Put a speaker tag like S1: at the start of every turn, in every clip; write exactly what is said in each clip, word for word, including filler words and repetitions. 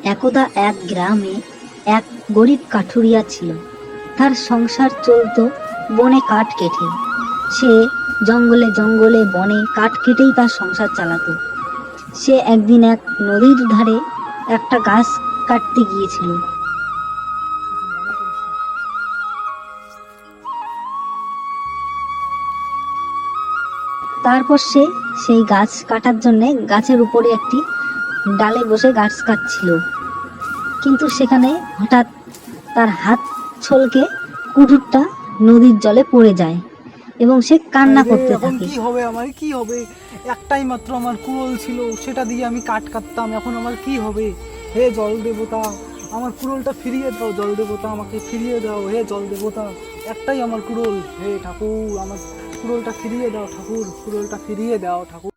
S1: একদা এক গ্রামে এক গরিব কাঠুরিয়া ছিল। তার সংসার চলত বনে কাঠ কেটে। সে জঙ্গলে জঙ্গলে বনে কাঠ কেটেই তার সংসার চালাতো। সে একদিন এক নদীর ধারে একটা গাছ কাটতে গিয়েছিল। তারপর সে সেই গাছ কাটার জন্য গাছের উপরে একটি ডালে বসে গাছ কাটছিল, কিন্তু সেখানে হঠাৎ তার হাত ছলকে কুঠুরটা নদীর জলে পড়ে যায় এবং সে কান্না করতে
S2: এখন
S1: থাকে।
S2: কি হবে, আমার কি হবে? একটাই মাত্র আমার কুড়োল ছিল, সেটা দিয়ে আমি কাঠ কাটতাম। এখন আমার কি হবে? হে জল দেবতা, আমার কুড়োলটা ফিরিয়ে দাও। জল দেবতা, আমাকে ফিরিয়ে দাও। হে জল দেবতা, একটাই আমার কুড়োল। হে ঠাকুর, আমার কুড়োলটা ফিরিয়ে দাও। ঠাকুর, কুড়োলটা ফিরিয়ে দাও। ঠাকুর,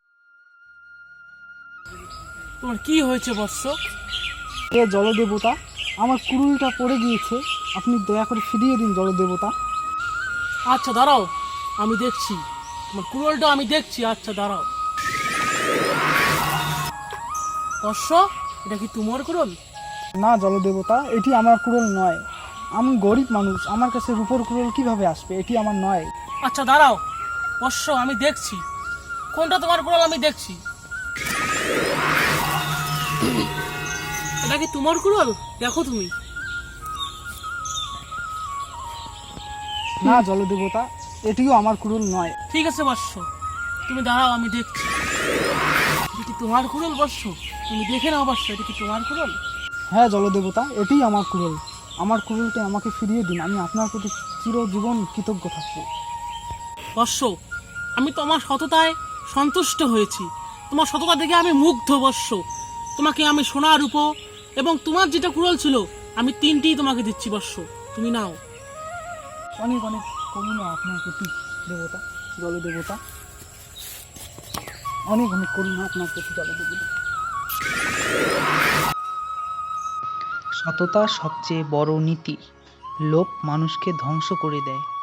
S3: তোমার কি হয়েছে বৎস?
S2: হে জল দেবতা, আমার কুড়োলটা পড়ে গিয়েছে, আপনি দয়া করে ফিরিয়ে দিন জল দেবতা।
S3: আচ্ছা দাঁড়াও, আমি দেখছি তোমার কুড়োলটা, আমি দেখছি। আচ্ছা দাঁড়াও। বৎস, এটা কি তোমার কুড়োল?
S2: না জল দেবতা, এটি আমার কুড়োল নয়। আমি গরিব মানুষ, আমার কাছে রূপোর কুড়োল কিভাবে আসবে? এটি আমার নয়।
S3: আচ্ছা দাঁড়াও বৎস, আমি দেখছি কোনটা তোমার কুড়োল, আমি দেখছি। এটা কি তোমার কুড়োল? দেখো তুমি।
S2: না জল দেবতা, এটিও আমার কুড়োল নয়।
S3: ঠিক আছে বৎস, তুমি দাঁড়াও, আমি দেখছি। এটা কি তোমার কুড়োল বৎস? তুমি দেখে নাও বৎস, এটা কি তোমার কুড়োল?
S2: হ্যাঁ জল দেবতা, এটিই আমার কুড়োল। আমার কুড়োলটা আমাকে ফিরিয়ে দিন, আমি আপনার প্রতি চিরজীবন কৃতজ্ঞ থাকবো।
S3: বৎস, আমি তোমার সততায় সন্তুষ্ট হয়েছি। তোমার সততা দেখে আমি মুগ্ধ বৎস। তোমাকে আমি সোনা রূপো এবং তোমার যেটা কুড়োল ছিল, আমি তিনটিই তোমাকে দিচ্ছি বৎস, তুমি নাও।
S2: অনেক অনেক করুণা আপনার প্রতি দেবতা, জল দেবতা। অনেক অনেক করুণা আপনার প্রতি জল দেবতা।
S4: সততা সবচেয়ে বড় নীতি। লোভ মানুষকে ধ্বংস করে দেয়।